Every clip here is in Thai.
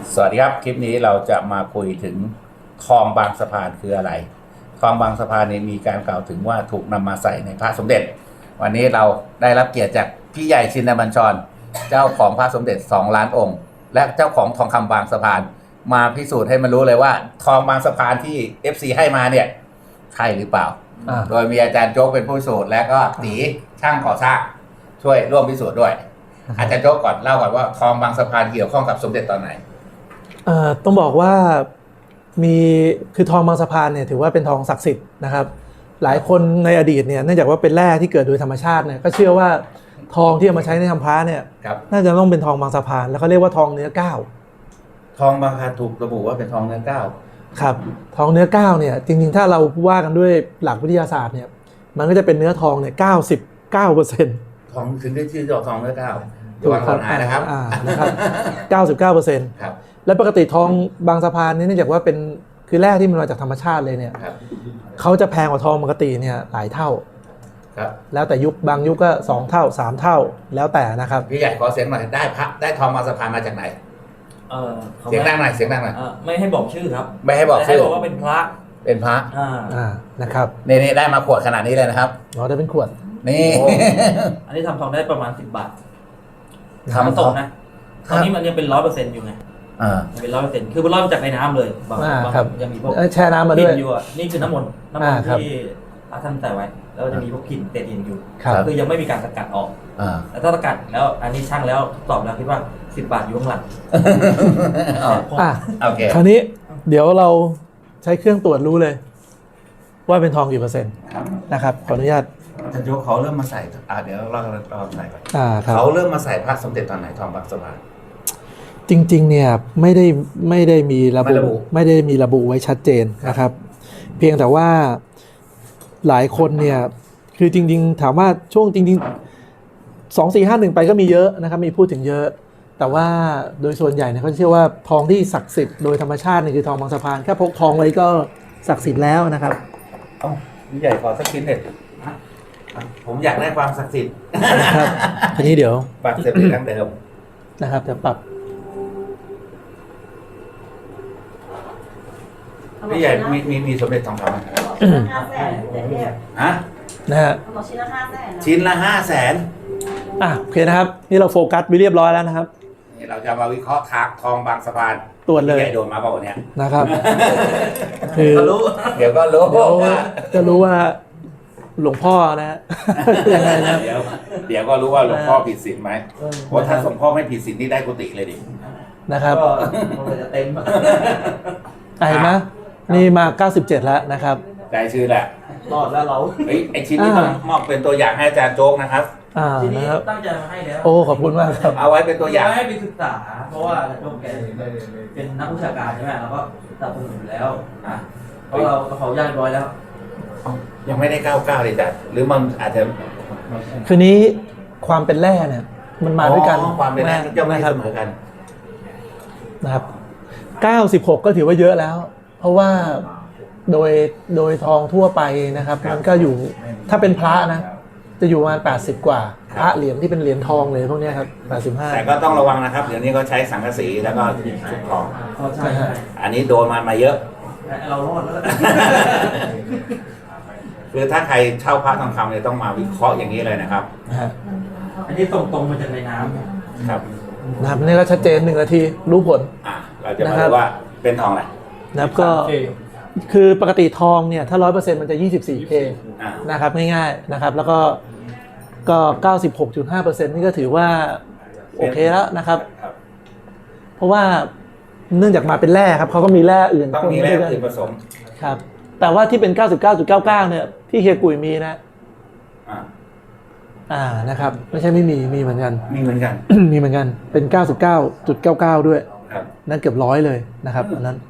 สวัสดีครับคลิปนี้เราจะมาคุยถึงทองบางสะพานคืออะไรทองบางสะพานนี้มีการกล่าวถึงว่าถูกนำมาใส่ในพระสมเด็จวันนี้เราได้รับเกียรติจากพี่ใหญ่ชินบัญชรเจ้าของพระสมเด็จ2 ล้านองค์และเจ้าของทองคำบางสะพานมาพิสูจน์ให้มันรู้เลยว่าทองบางสะพานที่ FC ให้มาเนี่ยใช่หรือเปล่าโดยมีอาจารย์โจ๊กเป็นผู้พิสูจน์และก็ตีช่างก่อสร้างช่วยร่วมพิสูจน์ด้วยอาจารย์โจ๊กก่อนเล่าก่อนว่าทองบางสะพานเกี่ยวข้องกับสมเด็จตอนไหนต้องบอกว่ามีคือทองบางสะพานเนี่ยถือว่าเป็นทองศักดิ์สิทธิ์นะครับหลายคนในอดีตเนี่ยเนื่องจากว่าเป็นแร่ที่เกิดโดยธรรมชาติเนี่ยก็เชื่อว่าทองที่เอามาใช้ในทำพระเนี่ยน่าจะต้องเป็นทองบางสะพานแล้วเขาเรียกว่าทองเนื้อเก้าทองบางสะพานถูกระบุว่าเป็นทองเนื้อเก้าครับทองเนื้อเก้าเนี่ยจริงๆถ้าเราว่ากันด้วยหลักวิทยาศาสตร์เนี่ยมันก็จะเป็นเนื้อทองเนี่ย99% ทองถึงได้ชื่อทองเนื้อเก้าถูกครับนะครับ99% ครับและปกติทองบางสะพานนี่เนื่องจากว่าเป็นคือแร่ที่มันมาจากธรรมชาติเลยเนี่ยเขาจะแพงกว่าทองปกติเนี่ยหลายเท่าแล้วแต่ยุคบางยุคก็2 เท่า3 เท่าแล้วแต่นะครับพี่ใหญ่ขอเสียงหน่อยได้ทองบางสะพานมาจากไหนเสียงดังหน่อยไม่ให้บอกชื่อครับไม่ให้บอกชื่อบอกว่าเป็นพระนะครับนี่ได้มาขวดขนาดนี้เลยนะครับได้เป็นขวดนี่อันนี้ทำทองได้ประมาณ10 บาททำตกนะตอนนี้มันยังเป็น100%อยู่ไงเป็น100%คือมัน100%จากในน้ำเลยบางยังมีพวกแช่น้ำมาด้วยอยู่นี่คือน้ำมนต์ที่พระท่านใส่ไว้แล้วจะมีพวกกลิ่นเตดินอยู่คือยังไม่มีการสกัดออกแต่ถ้าสกัดแล้วอันนี้ช่างแล้วตอบแล้วคิดว่า10 บาทอยู่ข้างหลังโอเคคราวนี้เดี๋ยวเราใช้เครื่องตรวจรู้เลยว่าเป็นทองกี่เปอร์เซ็นต์นะครับขออนุญาตอาจารย์โจ๊กเขาเริ่มมาใส่เดี๋ยวเราใส่ก่อนเขาเริ่มมาใส่พระสมเด็จตอนไหนทองบางสะพานจริงๆเนี่ยไม่ได้มีระบุไว้ชัดเจนนะครับเพียงแต่ว่าหลายคนเนี่ยคือจริงๆถามว่าช่วงจริงๆ2451ไปก็มีเยอะนะครับมีพูดถึงเยอะแต่ว่าโดยส่วนใหญ่เนี่ยเขาเชื่อว่าทองที่ศักดิ์สิทธิ์โดยธรรมชาติเนี่ยคือทองบางสะพานแค่พกทองไว้ก็ศักดิ์สิทธิ์แล้วนะครับพี่ใหญ่ขอสักชิ้นเด็ดผมอยากได้ความศักดิ์สิทธิ์ครับทีนี้เดี๋ยวปรับเสร็จเป็นดั้งเดิมนะครับจะปรับพี่ใหญ่มีสมเด็จทองคำฮะนะฮะชิ้นละ500,000 โอเคนะครับนี่เราโฟกัสไปเรียบร้อยแล้วนะครับนี่เราจะมาวิเคราะห์ทองบางสะพานตรวจเลยใหญ่โดนมาเปล่าเนี่ยนะครับคือเดี๋ยวก็รู้จะรู้ว่าหลวงพ่อนะยังไงนะเดี๋ยวก็รู้ว่าหลวงพ่อผิดศีลไหมเพราะถ้าหลวงพ่อไม่ผิดศีลนี่ได้กุฏิเลยดินะครับก็จะเต็มเห็นไหมนี่มา97แล้วนะครับใจชื่อแหละรอดแล้วเราไอชิ้นนี้ต้องมอบเป็นตัวอย่างให้อาจารย์โจ๊กนะครับที่นี่ตั้งใจมาให้แล้วขอบคุณมากครับเอาไว้เป็นตัวอย่างให้ไปศึกษาเพราะว่าโจ๊กแกเป็นนักวิชาการใช่ไหมแล้วก็สนับสนุนอยู่แล้วเพราะเราเขาย่างร้อยแล้วยังไม่ได้99เลยจ้ะหรือมันอาจจะคือนี้ความเป็นแร่เนี่ยมันมาด้วยกันความเป็นแร่ย่อมไม่เสมอกันนะครับ96ก็ถือว่าเยอะแล้วเพราะว่าโดยทองทั่วไปนะครับมันก็อยู่ถ้าเป็นพระนะจะอยู่ประมาณ80กว่าพระเหรียญที่เป็นเหรียญทองเลยพวกนี้ครับ85 แต่ก็ต้องระวังนะครับเดี๋ยวนี้เขาใช้สังกะสีแล้วก็ชุบทองอันนี้โดนมาเยอะเรารอดแล้วคือถ้าใครเช่าพระทองคำเนี่ยต้องมาวิเคราะห์อย่างนี้เลยนะครับอันนี้ตรงมาจากในน้ำครับนะครับนี่ก็ชัดเจน1 นาทีรู้ผลเราจะมาดูว่าเป็นทองอะไรนะครับก็คือปกติทองเนี่ยถ้า 100% มันจะ 24K นะครับง่ายๆนะครับแล้วก็ 96.5% นี่ก็ถือว่าโอเคแล้วนะครับเพราะว่าเนื่องจากมาเป็นแร่ครับเขาก็มีแร่อื่นต้องมีแร่อื่นผสมครับแต่ว่าที่เป็น 99.99 เนี่ยที่เฮียกุยมีนะนะครับไม่ใช่ไม่มีเหมือนกันมีเหมือนกันเป็น 99.99 ด้วยนั่นเกือบ100เลยนะครับอันนั้น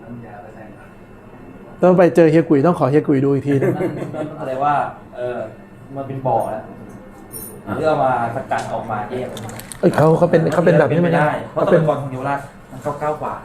ต้องไปเจอเฮียกุยต้องขอเฮียกุยดูอีกทีนึงอะไรว่ามันเป็นบ่อแล้วเพื่อมาสกัดออกมาแยกเขาเป็นแบบนี้ไม่ได้เพราะตะกอนของเยาวราชมัน99 กว่า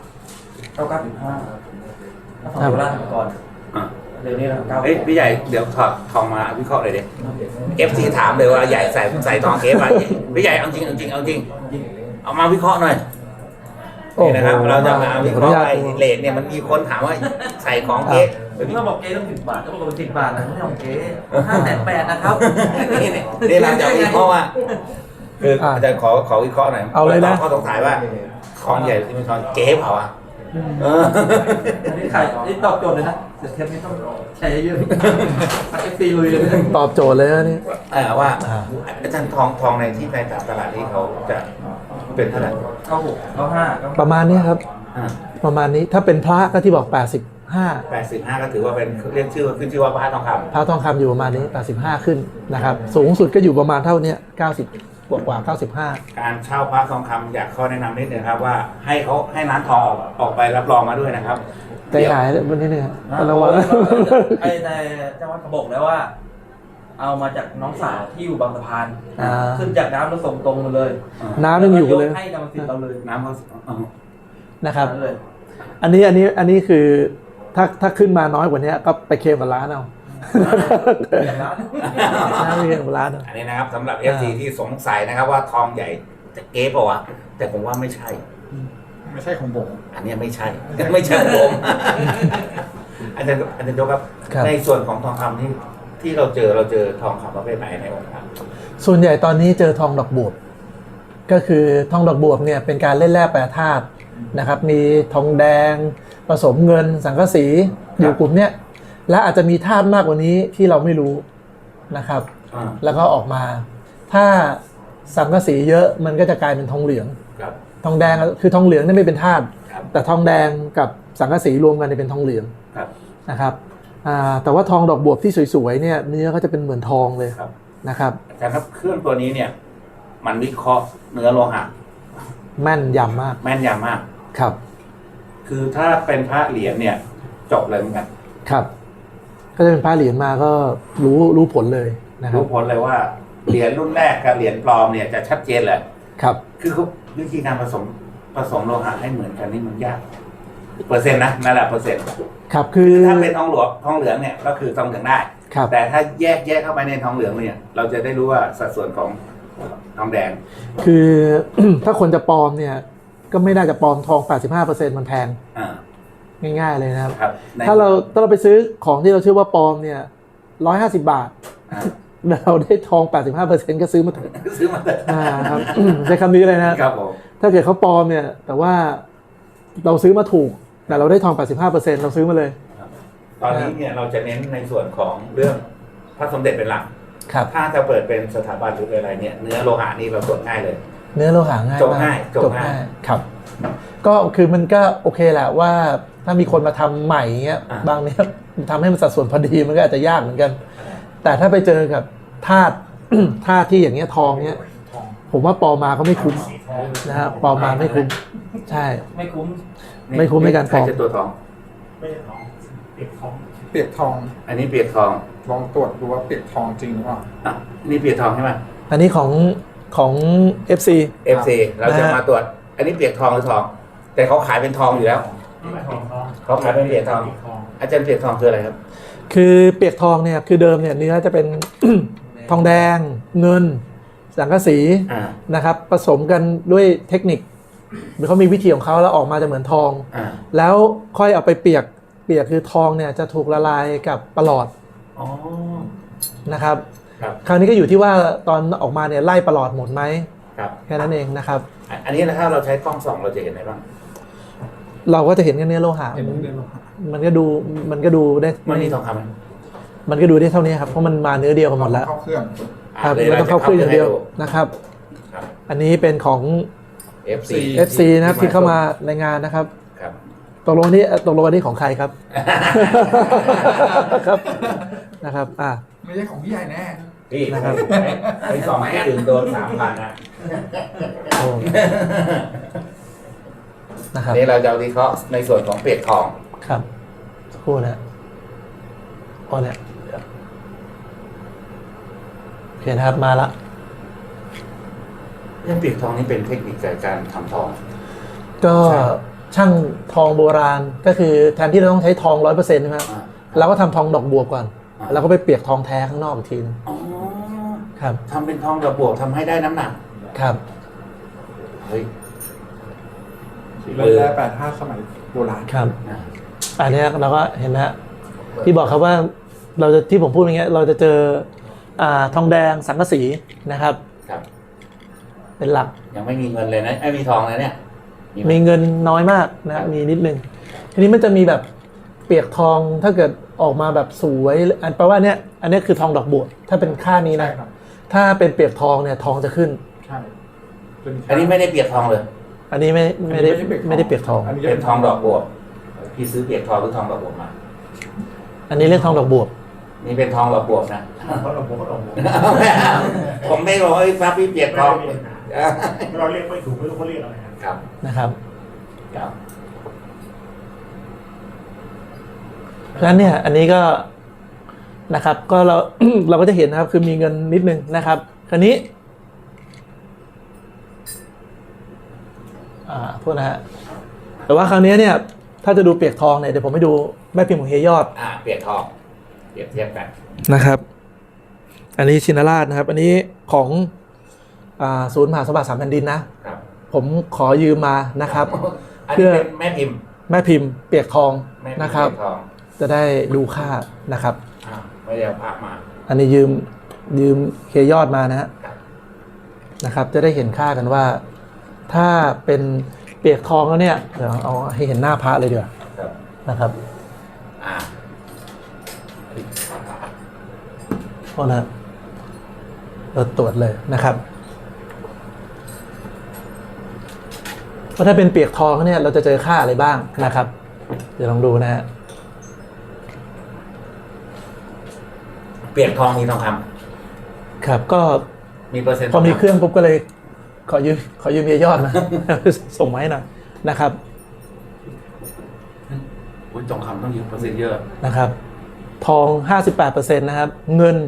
99.5ถ้าของเยาวราชก่อนเดี๋ยวนี้เราพี่ใหญ่เดี๋ยวถอดทองมาวิเคราะห์เลยดิFC ถามเลยว่าใหญ่ใส่ทองเคสไปพี่ใหญ่เอาจริงเอามาวิเคราะห์หน่อยโอ้นี่นะครับโหเราจะมาวิเคราะห์ไอ้ขออนุญาตเลทเนี่ยมันมีคนถามว่าใส่ของเก๊ผมก็บอกเก๊ต้อง10 บาทก็บอกว่า10 บาทนะไม่ใช่ของเก๊580,000นะครับนี่เราจะวิเคราะห์ว่าคืออาจารย์ขอวิเคราะห์หน่อยเอาเลยนะข้อสงสัยว่าทองใหญ่ที่มันทองเก๊เปล่าอ่ะเอออันนี้ขายนี่ตอบโจทย์เลยนะเดี๋ยวเทปนี้ต้องใช้เยอะๆเอฟซีลุยเลยตอบโจทย์เลยนะนี่ว่าอาจารย์ทองในที่ในตลาดนี้เขาจะเป็นเท่าไหร่ 96 95 ประมาณนี้ครับอ่าประมาณนี้ถ้าเป็นพระก็ที่บอก 85 85ก็ถือว่าเป็นเรียกชื่อขึ้นชื่อว่าพระทองคำพระทองคำอยู่ประมาณนี้ 85 ขึ้นนะครับ สูงสุดก็อยู่ประมาณเท่านี้90 กว่า 95 การเช่าพระทองคำอยากข้อแนะนำนิดนึงครับว่าให้เขาให้ร้านทองออกไปรับรองมาด้วยนะครับใจหายวันนี้เนี่ยระระวัวังงไอ้ในเจ้าวัดเขาบอกแล้วว่า เอามาจากน้องสาวที่อยู่บางสะพาน ขึ้นจากน้ำแล้วส่งตรงมาเลยน้ำยังอยู่เลยให้กรรมสิทธิ์เราเลยน้ำเขานะครับนั่นเลยอันนี้คือถ้าขึ้นมาน้อยกว่านี้ก็ไปเคลมกับร้านเอาน้ำไปเคลมกับร้านเอาอันนี้นะครับสำหรับ FC ที่สงสัยนะครับว่าทองใหญ่จะเก๊เปล่าวะแต่ผมว่าไม่ใช่ไม่ใช่ของผมอันนี้ไม่ใช่ ไม่ใช่ผม อาจารย์โจครับครับในส่วนของทองคำที่เราเจอทองคำประเภทไหนในองค์พระส่วนใหญ่ตอนนี้เจอทองดอกบวบก็คือทองดอกบวบเนี่ยเป็นการเล่นแร่แปรธาตุนะครับ มีทองแดงผสมเงินสังกะสีอยู่กลุ่มเนี้ยและอาจจะมีธาตุมากกว่านี้ที่เราไม่รู้นะครับ แล้วก็ออกมาถ้าสังกะสีเยอะมันก็จะกลายเป็นทองเหลืองครับทองแดงคือทองเหลืองนี่ไม่เป็นธาตุครับแต่ทองแดงกับสังกะสีรวมกันเป็นทองเหลืองครับนะครับแต่ว่าทองดอกบวบที่สวยๆเนี่ยเนื้อก็จะเป็นเหมือนทองเลยครับนะครับอาจารย์ครับเครื่องตัวนี้เนี่ย มันวิเคราะห์เนื้อโลหะแม่นยำมากแม่นยำมากครับคือถ้าเป็นพระเหรียญเนี่ยจบเลยเหมือนกันครับ ก็จะเป็นพระเหรียญมาก็รู้ผลเลยนะครับรู้ผลเลยว่าเหรียญรุ่นแรกกับเหรียญปลอมเนี่ยจะชัดเจนเลยครับคือเขาวิธีการผสมโลหะให้เหมือนกันนี่มันยากเปอร์เซ็นต์นะนั่นแหละเปอร์เซ็นต์ครับคือถ้าเป็นทองเหลืองเนี่ยก็คือทองเหลืองได้ครับแต่ถ้าแยกเข้าไปในทองเหลืองเนี่ย เราจะได้รู้ว่าสัดส่วนของทองแดงคือ ถ้าคนจะปลอมเนี่ยก็ไม่น่าจะปลอมทอง 85% มันแพงอ่าง่ายๆเลยนะครับครับในถ้าเราไปซื้อของที่เราเชื่อว่าปลอมเนี่ย150 บาทอ่าเราได้ทอง 85%ก็ซื้อมาเถอะซื้อมาเลยครับ ใช้คำนี้เลยนะครับผมถ้าเกิดเขาปลอมเนี่ยแต่ว่าเราซื้อมาถูกแต่เราได้ทอง 85%เราซื้อมาเลยตอนนี้เนี่ยเราจะเน้นในส่วนของเรื่องพระสมเด็จเป็นหลักครับถ้าจะเปิดเป็นสถาบันหรือเป็นอะไรเนี่ยเนื้อโลหะนี่เราตรวจง่ายเลยเนื้อโลหะง่ายจบมากง่ายจบง่ายครับก็คือมันก็โอเคแหละว่าถ้ามีคนมาทำใหม่เงี้ยบางเนี้ยทำให้มันสัดส่วนพอดีมันก็อาจจะยากเหมือนกัน แต่ถ้าไปเจอกับธาตุ ธาตุที่อย่างเงี้ยทองเนี้ยผมว่าปลอมมาก็ไม่คุ้มนะครับปลอมมาไม่คุ้มใช่ไม่คุ้มไม่คุ้มในการปลอมใคจะตัวจทองไม่ใช่ทอง เปียกทอง เปียกทองอันนี้เปียกทองลองตรวจดูว่าเปียกทองจริงหรือเปล่าอ่ะนี่เปียกทองใช่ไหมอันนี้ของ FC FC เราจะมาตรวจ อันนี้เปียกทองหรือทอง แต่เขาขายเป็นทองอยู่แล้วเขาขายเป็นเปียกทอง อาจารย์เปียกทองคืออะไรครับคือเปียกทองเนี่ยคือเดิมเนี่ยเนื้อจะเป็น ทองแดงเงินสังกะสีอ่านะครับผสมกันด้วยเทคนิคเขามีวิธีของเขาแล้วออกมาจะเหมือนทองอ่าแล้วค่อยเอาไปเปียกคือทองเนี่ยจะถูกละลายกับประหลอดอ๋อนะครับครับคราวนี้ก็อยู่ที่ว่าตอนออกมาเนี่ยไล่ประหลอดหมดไหมครับแค่นั้นเองนะครับอันนี้นะถ้าเราใช้กล้องส่องเราจะเห็นอะไรบ้างเราก็จะเห็นกันเนื้อโลหะเห็นเนื้อโลหะมันก็ดูได้มันมีทองคำไหมมันก็ดูได้เท่านี้ครับเพราะมันมาเนื้อเดียวกันหมดแล้วเข้าเครื่องครับดี๋ยไม่ต้องเข้าเครื่องอย่างเดียวให้นะครับครับอันนี้เป็นของ FC FC นะครับที่เข้ามารายงานนะครับครับตกลงอันนี้ของใครครับ ครับนะครับไม่ใช่ของพี่ใหญ่แน่พี่นะครับไปสองที่อื่นโดน3,000นะโอ้นะครับนี่เราจะวิเคราะห์ในส่วนของเปียกทองครับสักครู่นะอ๋อเนี่ยโอเคนะครับมาละเรื่องเปียกทองนี่เป็นเทคนิคการทำทองก็ใช่ช่างทองโบราณก็คือแทนที่เราต้องใช้ทอง 100%ใช่ไหมครับอ่าเราก็ทำทองดอกบัวก่อนอ่าแล้วก็ไปเปียกทองแท้ข้างนอกอีกทีนึงอ๋อครับทำเป็นทองดอกบวกทำให้ได้น้ำหนักครับเฮ้ยเล่นได้แปดห้าสมัยโบราณครับอ่าอันเนี้ยเราก็เห็นนะที่บอกครับว่าเราจะที่ผมพูดอย่างเงี้ยเราจะเจอทองแดงสังกะสีนะครับครับเป็นหลักยังไม่มีเงินเลยนะไม่มีทองเลยเนี่ยไหมีเงินน้อยมากนะมีนิดนึงทีนี้มันจะมีแบบเปียกทองถ้าเกิดออกมาแบบสวยอันแปลว่าเนี้ยอันเนี้ยคือทองดอกบัวถ้าเป็นค่านี้นะใช่ครับถ้าเป็นเปียกทองเนี่ยทองจะขึ้นใช่เป็นอันนี้ไม่ได้เปียกทองเลยอันนี้ไม่ได้เปียกทองนนี้เป็นทองดอกบัวพี่ซื้อเปียกทองหรือทองดอกบัวมาอันนี้เรียกทองดอกบัวนี่เป็นทองดอกบัวนะเขาลงผมก็ลงผมผมไม่บอกว่าฟ้าพี่เปียกทองเราเรียกไม่ถูกไม่รู้เขาเรียกอะไรครับครับนะครับครับเพราะฉะนั้นเนี่ยอันนี้ก็นะครับก็เรา เราก็จะเห็นนะครับคือมีเงินนิดนึงนะครับคราวนี้โทษนะฮะแต่ว่าคราวนี้เนี่ยถ้าจะดูเปียกทองเนี่ยเดี๋ยวผมให้ดูแม่พิมพ์ของเฮียยอดเปียกทองเปรียบเทียบกันนะครับ อันนี้ชินราชนะครับ อันนี้ของศูนย์มหาสมบัติสามแผ่นดินนะครับ ผมขอยืมมานะครับอันนี้เป็นแม่พิมพ์แม่พิมพ์เปียกทองแม่พิมพ์นะครับเปียกทองจะได้ดูค่านะครับไม่ได้เอาพระมาอันนี้ยืมเฮียยอดมานะฮะครับนะครับ จะได้เห็นค่ากันว่า ถ้าเป็นเปียกทองแล้วเนี่ยเดี๋ยวเอาให้เห็นหน้าพระเลยดีกว่าครับนะครับอ่าโทษนะเราตรวจเลยนะครับว่าถ้าเป็นเปียกทองเนี่ยเราจะเจอค่าอะไรบ้างนะครับ เดี๋ยวลองดูนะฮะเปียกทองมีทองคครับก็ำมีเปอร์เซ็นต์พอมีเครื่องปุ๊บก็เลย ขอยืมเฮียยอดมา ส่งมาให้หน่อยนะครับอุ้ยทองคำต้องยืมเปอร์เซ็นต์เยอะนะครับ ทอง 58%นะครับ เงิน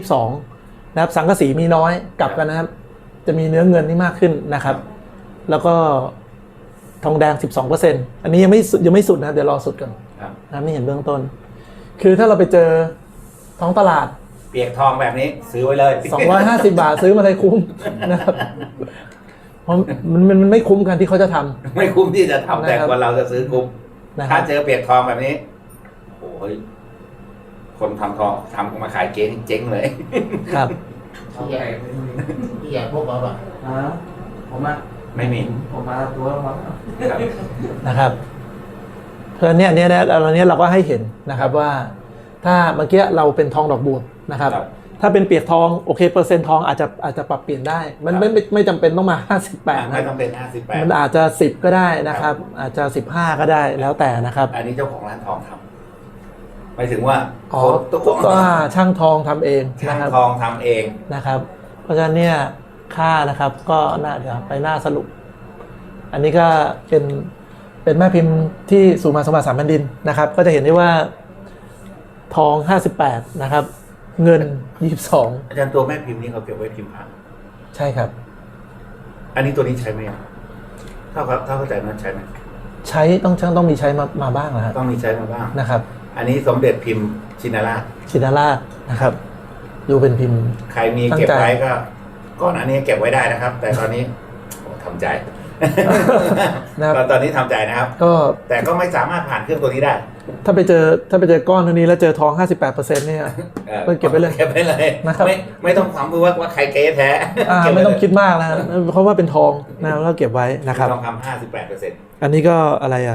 22นะครับ สังกะสีมีน้อยกลับกันนะครับ จะมีเนื้อเงินที่มากขึ้นนะครับ แล้วก็ทองแดง 12%อันนี้ยังไม่สุดนะเดี๋ยวรอสุดก่อนครับนะครับนี่เห็นเบื้องต้น คือถ้าเราไปเจอท้องตลาดเปียกทองแบบนี้ซื้อไว้เลย 250 บาทซื้อมาเลยคุ้มนะครับเพราะมันไม่คุ้มกันที่เขาจะทำไม่คุ้มที่จะทำแต่นะครับคนเราจะซื้อคุ้มนะคถ้ารับเจอเปียกทองแบบนี้โอ้ยคนทำทองทำมาขายเจ๊งเลยครับพี่ใหญ่พวกเราแบบผมมาไม่มีผมมาตัวมาครับนะครับเพราะฉะนั้นเนี่ยเราเนี่ยเราก็ให้เห็นนะครับว่า ถ้าเมื่อกี้เราเป็นทองดอกบัวนะครับครับถ้าเป็นเปียกทองโอเคเปอร์เซ็นต์ทองอาจจะปรับเปลี่ยนได้ มันไม่จำเป็นต้องมา 58 ไม่นะต้องเป็น58 มันอาจจะ10ก็ได้นะครับ อาจจะ15ก็ได้แล้วแต่นะครับอันนี้เจ้าของร้านทองทำหมายถึงว่าอ๋อตัวก็ช่างทองทำเองช่านะงครับทองทำเองนะครับ เพราะฉะนั้นเนี่ยค่านะครับก็น่าเดี๋ยวไปหน้าสรุป อันนี้ก็เป็นแม่พิมพ์ที่ศูนย์มหาสมบัติสามแผ่นดินนะครับ ก็จะเห็นได้ว่าทอง 58 นะครับ เงิน 22 อาจารย์ตัวแม่พิมพ์นี่เขาเก็บไว้พิมพ์พระใช่ครับอันนี้ตัวนี้ใช้ไหมอ่ะถ้าเข้าใจมันใช้ไหมใช้ต้องมีใช้มาบ้างนะครับต้องมีใช้มาบ้างนะครับอันนี้สมเด็จพิมพ์ชินราชชินราชนะครับ ดูเป็นพิมพ์ใครมีเก็บไว้ก็ก่อนอันนี้เก็บไว้ได้นะครับ แต่ตอนนี้โอ้ทำใจนะครับตอนนี้ทำใจนะครับก็แต่ก็ไม่สามารถผ่านเครื่องตัวนี้ได้ถ้าไปเจอก้อนเท่านี้แล้วเจอทอง 58%เนี่ย ก็เก็บไว้เลยเก็บไว้เลยนะครับไม่ต้องความรู้ว่าใครเก๊แท้เก็บว้ไม่ต้องเลยคิดมากนะเพราะว่าเป็นทองนะแล้วเก็บไว้นะครับทองคำ58% อันนี้ก็อะไรอ่ะ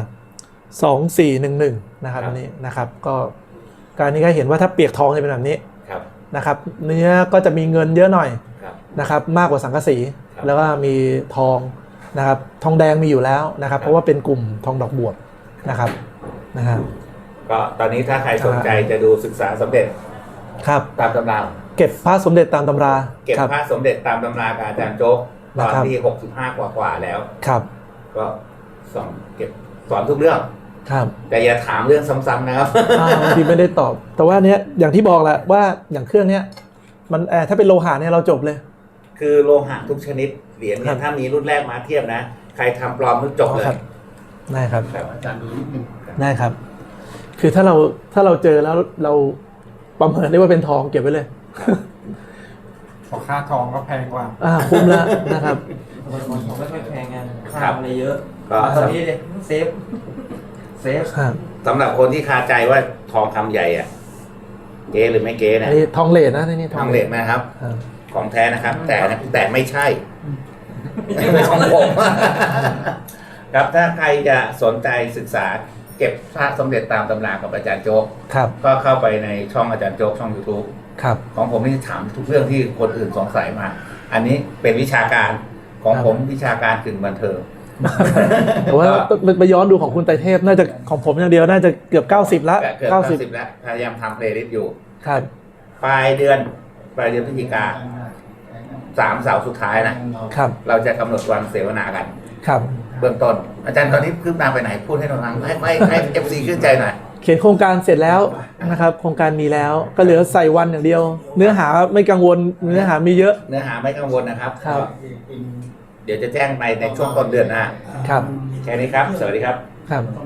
2411นะครับครับอันนี้นะครับก็การนี้ก็เห็นว่าถ้าเปียกทองจะเป็นแบบนี้ครับนะครับเนื้อก็จะมีเงินเยอะหน่อยครับนะครับมากกว่าสังกะสีครับแล้วก็มีทองนะครับทองแดงมีอยู่แล้วนะครับ เพราะว่าเป็นกลุ่มทองดอกบวบนะครับนะฮะก็ตอนนี้ถ้าใครสนใจจะดูศึกษาสมเด็จครับตามตำราเก็บพระสมเด็จตามตำราเก็บครับพระสมเด็จตามตำรากับอาจารย์โจ๊กตอนนะครับที่65กว่าแล้วครับก็สอนทุกเรื่องครับแต่อย่าถามเรื่องซ้ำๆนะครับบางทีไม่ได้ตอบ แต่ว่าเนี้ยอย่างที่บอกแหละว่าอย่างเครื่องเนี้ยมันถ้าเป็นโลหะเนี่ยเราจบเลยคือโลหะทุกชนิดเหรียญครัเนี่ยบถ้ามีรุ่นแรกมาเทียบนะ ใครทำปลอมทุกจบเลยครับได้ครับครับอาจารย์ดูนิดนึงได้ครับ คือถ้าเราเจอแล้วเราประเมินได้ว่าเป็นทองเก็บไว้เลยพอค่าทองก็แพงกว่าคุ้มแล้วนะครับผมไม่ค่อยแพงงานครัค่าบอะไรเยอะก็ตอนนี้เลยเซฟครับสำหรับคนที่คาใจว่าทองคำใหญ่อะเก๊หรือไม่เก๊อัเนี่นยนี้ทองเหลนนะนี่ทองเหล็กนะครับครับของแท้นะครับ แต่ไม่ใช่ไม่เป็นของผม ครับถ้าใครจะสนใจศึกษาเก็บพระสมเด็จตามตำรากับอาจารย์โจ๊กครับก็เข้าไปในช่องอาจารย์โจ๊กช่อง YouTube ครับของผมนี่ถามทุกเรื่องที่คนอื่นสงสัยมา อันนี้เป็นวิชาการของครับผมวิชาการกึ่งบันเทิงแต่ว่าไปย้อนดูของคุณไตรเทพน่าจะของผมอย่างเดียวน่าจะเกือบ90ละเกือบ90แล้วพยายามทำเพลย์ลิสต์อยู่ครับปลายเดือนพฤศจิกา3 เสาร์สุดท้ายนะครับ เราจะกำหนดวันเสวนากันครับเบื้องต้น อาจารย์ตอนนี้คืบหน้าไปไหนพูดให้เราฟังให้เอฟซีขึ้นใจหน่อยเขียนโครงการเสร็จแล้วนะครับ โครงการมีแล้วก็เหลือใส่วันอย่างเดียว เนื้อหาไม่กังวลเนื้อหามีเยอะเนื้อหาไม่กังวลนะครับครับเดี๋ยวจะแจ้งไปในช่วงต้นเดือนหน้าครับแค่นี้ครับ สวัสดีครับครับ